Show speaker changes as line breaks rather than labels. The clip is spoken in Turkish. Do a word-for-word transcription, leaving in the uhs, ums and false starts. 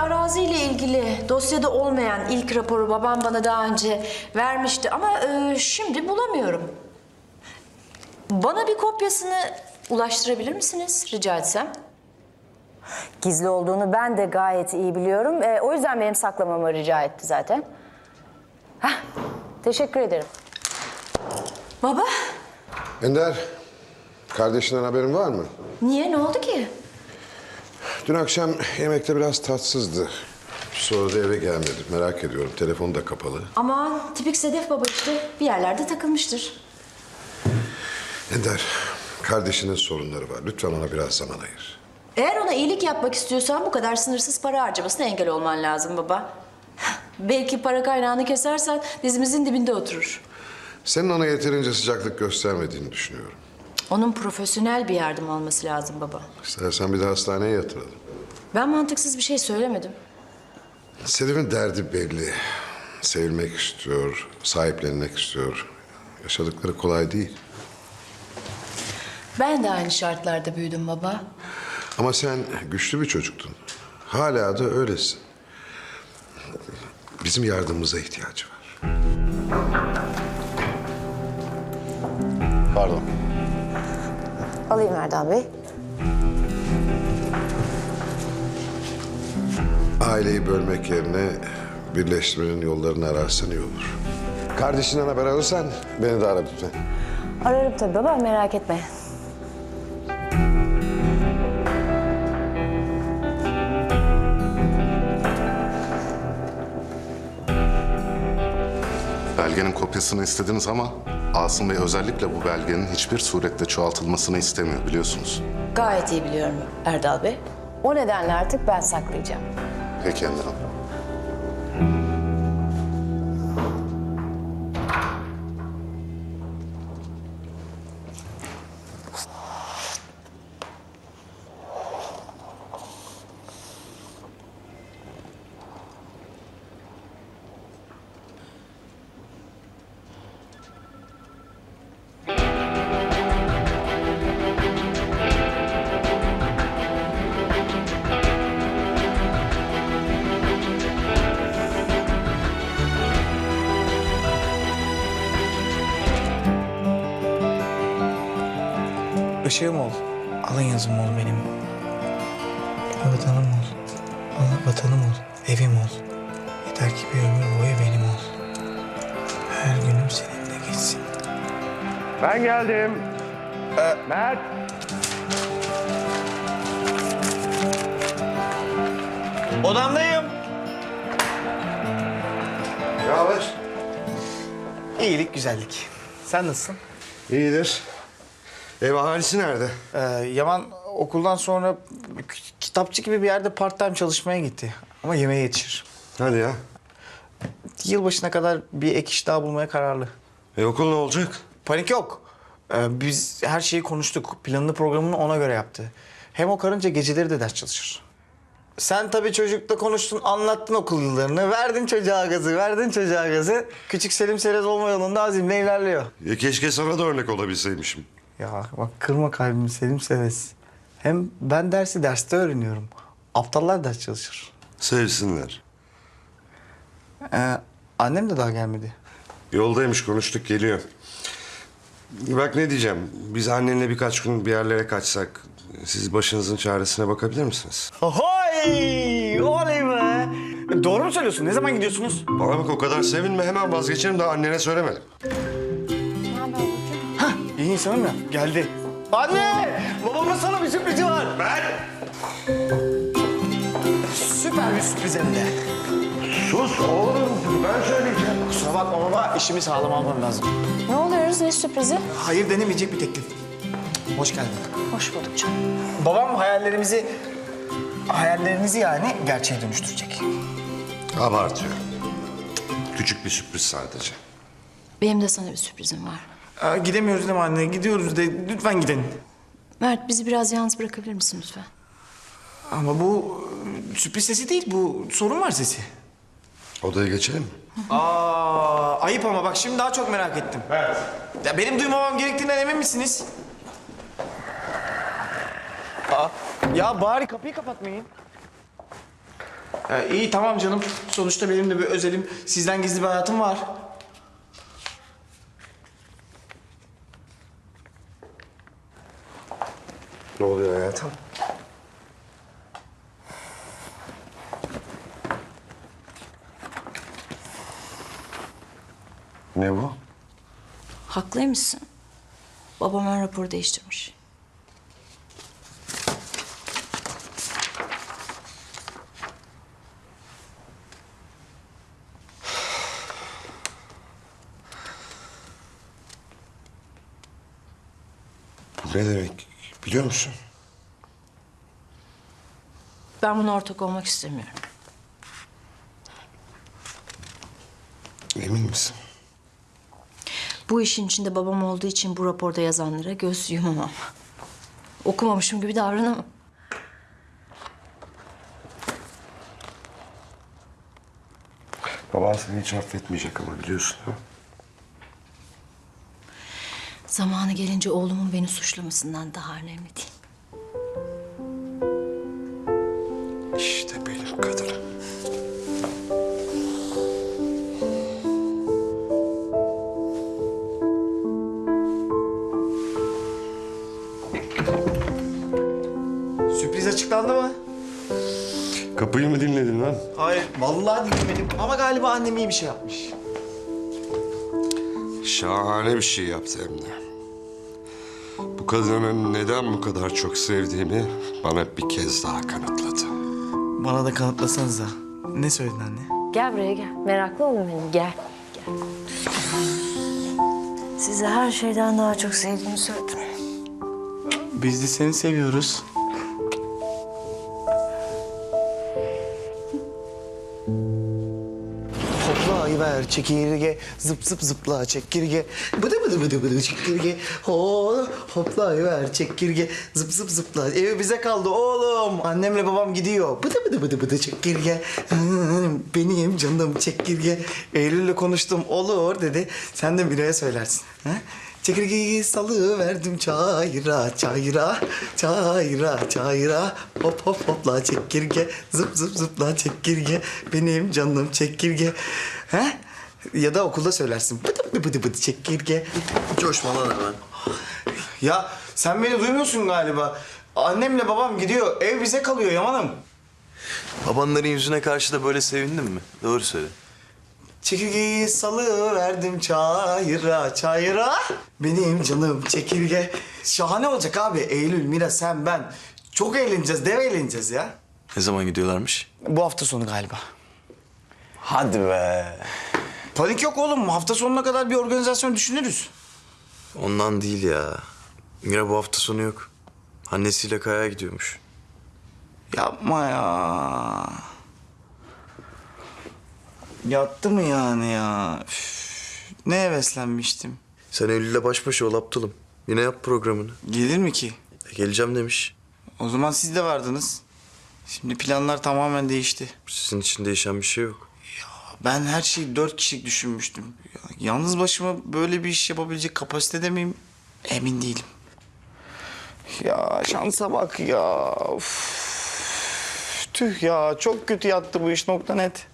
araziyle ilgili dosyada olmayan ilk raporu babam bana daha önce vermişti ama e, şimdi bulamıyorum. Bana bir kopyasını ulaştırabilir misiniz rica etsem?
Gizli olduğunu ben de gayet iyi biliyorum. E, o yüzden benim saklamamı rica etti zaten. Hah, teşekkür ederim.
Baba,
Ender, kardeşinden haberin var mı?
niye? Ne oldu ki?
Dün akşam yemekte biraz tatsızdı. Sonra da eve gelmedi. Merak ediyorum. Telefonu da kapalı.
Aman tipik Sedef baba işte bir yerlerde takılmıştır.
Ender, kardeşinin sorunları var. Lütfen ona biraz zaman ayır.
Eğer ona iyilik yapmak istiyorsan bu kadar sınırsız para harcamasına engel olman lazım baba. Belki para kaynağını kesersen dizimizin dibinde oturur.
Senin ona yeterince sıcaklık göstermediğini düşünüyorum.
Onun profesyonel bir yardım alması lazım baba.
İstersen bir de hastaneye yatıralım.
Ben mantıksız bir şey söylemedim.
Sedef'in derdi belli. Sevilmek istiyor, sahiplenmek istiyor. Yaşadıkları kolay değil.
Ben de aynı şartlarda büyüdüm baba.
Ama sen güçlü bir çocuktun. Hala da öylesin. Bizim yardımımıza ihtiyacı var.
Pardon.
Alayım Erdal Bey.
Aileyi bölmek yerine birleştirmenin yollarını ararsan iyi olur. Kardeşinden haber alırsan beni de ara lütfen.
Ararım tabii baba, merak etme.
Belgenin kopyasını istediniz ama Asım Bey özellikle bu belgenin hiçbir surette çoğaltılmasını istemiyor biliyorsunuz.
Gayet iyi biliyorum Erdal Bey.
O nedenle artık ben saklayacağım.
Peki Ender Hanım.
Işığım ol, alın yazım ol benim. Vatanım ol, Allah vatanım ol, evim ol. Yeter ki bir ömür boyu benim ol. Her günüm seninle geçsin.
Ben geldim. Ee, Mert.
Odamdayım.
Ne haber?
İyilik, güzellik. Sen nasılsın?
İyidir. Ev ahalisi nerede?
Ee, Yaman okuldan sonra k- kitapçı gibi bir yerde part time çalışmaya gitti. Ama yemeğe yetişir.
Hadi ya.
Yılbaşına kadar bir ek iş daha bulmaya kararlı.
E okul ne olacak?
Panik yok. Ee, biz her şeyi konuştuk. Planını programını ona göre yaptı. Hem o karınca geceleri de ders çalışır. Sen tabii çocukla konuştun, anlattın okul yıllarını. Verdin çocuğa gazı, verdin çocuğa gazı. Küçük Selim Serez olma yolunda azimle ilerliyor.
Ya keşke sana da örnek olabilseymişim.
Ya bak kırma kalbimi Selim Serez. Hem ben dersi derste öğreniyorum. Aptallar ders çalışır.
Sevsinler.
Ee, annem de daha gelmedi.
Yoldaymış, konuştuk, geliyor. Bak ne diyeceğim. Biz annenle birkaç gün bir yerlere kaçsak... ...siz başınızın çaresine bakabilir misiniz?
Hoy! Oley be! Doğru mu söylüyorsun? Ne zaman gidiyorsunuz?
Bana bak o kadar sevinme, hemen vazgeçerim, daha annene söylemedim.
Hah, iyi insanım ya. Geldi. Anne! Babamın sana bir sürprizi var.
Ben!
Süper bir sürpriz hem de.
Sus oğlum, ben söyleyeceğim.
Kusura bakma baba, işimi sağlam almam lazım.
Ne oluyoruz, ne sürprizi?
Hayır denemeyecek bir teklif. Hoş geldin.
Hoş bulduk canım.
Babam hayallerimizi, hayallerinizi yani gerçeğe dönüştürecek.
Abartıyor. Küçük bir sürpriz sadece.
Benim de sana bir sürprizim var.
Aa, gidemiyoruz değil mi anne? Gidiyoruz de lütfen gidin.
Mert bizi biraz yalnız bırakabilir misin lütfen?
Ama bu e, sürpriz sesi değil, bu sorun var sesi.
Odaya geçelim mi?
Aa, ayıp ama bak şimdi daha çok merak ettim. Evet. Ya benim duymamam gerektiğinden emin misiniz? Aa, ya bari kapıyı kapatmayın. Ee, iyi tamam canım. Sonuçta benim de bir özelim, sizden gizli bir hayatım var.
Ne oluyor hayatım? Ne bu?
Haklıymışsın. Babam ön raporu değiştirmiş.
Bu ne demek biliyor musun?
Ben buna ortak olmak istemiyorum.
Emin misin?
Bu işin içinde babam olduğu için bu raporda yazanlara göz yumamam. Okumamışım gibi davranamam.
Baban seni hiç affetmeyecek ama biliyorsun ha?
Zamanı gelince oğlumun beni suçlamasından daha önemli değil.
İşte benim kadınım.
Sürpriz açıklandı mı?
Kapıyı mı dinledin lan?
Hayır, vallahi dinlemedim ama galiba annem iyi bir şey yapmış.
Şahane bir şey yaptı hem de. Bu kadını neden bu kadar çok sevdiğimi bana bir kez daha kanıtladı.
Bana da kanıtlasanıza. Ne söyledin anne?
Gel buraya gel. Meraklı olun benim. Gel. Gel. Sizi her şeyden daha çok sevdiğimi söyledim.
Biz de seni seviyoruz. Hoplayıver çekirge, zıp zıp zıpla çekirge. Bıdı bıdı bıdı bıdı çekirge. Ho, hoplayıver çekirge, zıp zıp zıpla. Ev bize kaldı oğlum. Annemle babam gidiyor. Bıdı bıdı bıdı bıdı çekirge. Benim canım çekirge. Eylül'le konuştum olur dedi. Sen de Miray'a söylersin. Ha? Çekirgeyi salıverdim çayıra, çayıra, çayıra, çayıra. Hop hop hopla çekirge, zıp zıp zıpla çekirge. Benim canım çekirge. He? Ya da okulda söylersin. Bıdı bıdı bıdı bıdı çekirge.
Coşma lan hemen.
Ya sen beni duymuyorsun galiba. Annemle babam gidiyor, ev bize kalıyor Yaman'ım.
Babanların yüzüne karşı da böyle sevindin mi? Doğru söyle.
Çekirgeyi salıverdim çayıra, çayıra. Benim canım çekirge. Şahane olacak abi. Eylül, Mira, sen, ben. Çok eğleneceğiz, dev eğleneceğiz ya.
Ne zaman gidiyorlarmış?
Bu hafta sonu galiba.
Hadi be.
Panik yok oğlum. Hafta sonuna kadar bir organizasyon düşünürüz.
Ondan değil ya. Mira bu hafta sonu yok. Annesiyle Kaya'ya gidiyormuş.
Yapma ya. Yattı mı yani ya? Üf, ne heveslenmiştim.
Sen Eylül'le baş başa ol aptalım. Yine yap programını.
Gelir mi ki?
E, geleceğim demiş.
O zaman siz de vardınız. Şimdi planlar tamamen değişti.
Sizin için değişen bir şey yok.
Ben her şeyi dört kişilik düşünmüştüm. Ya, yalnız başıma böyle bir iş yapabilecek kapasitede miyim? Emin değilim. Ya şansa bak ya. Uf. Tüh ya çok kötü yattı bu iş nokta net.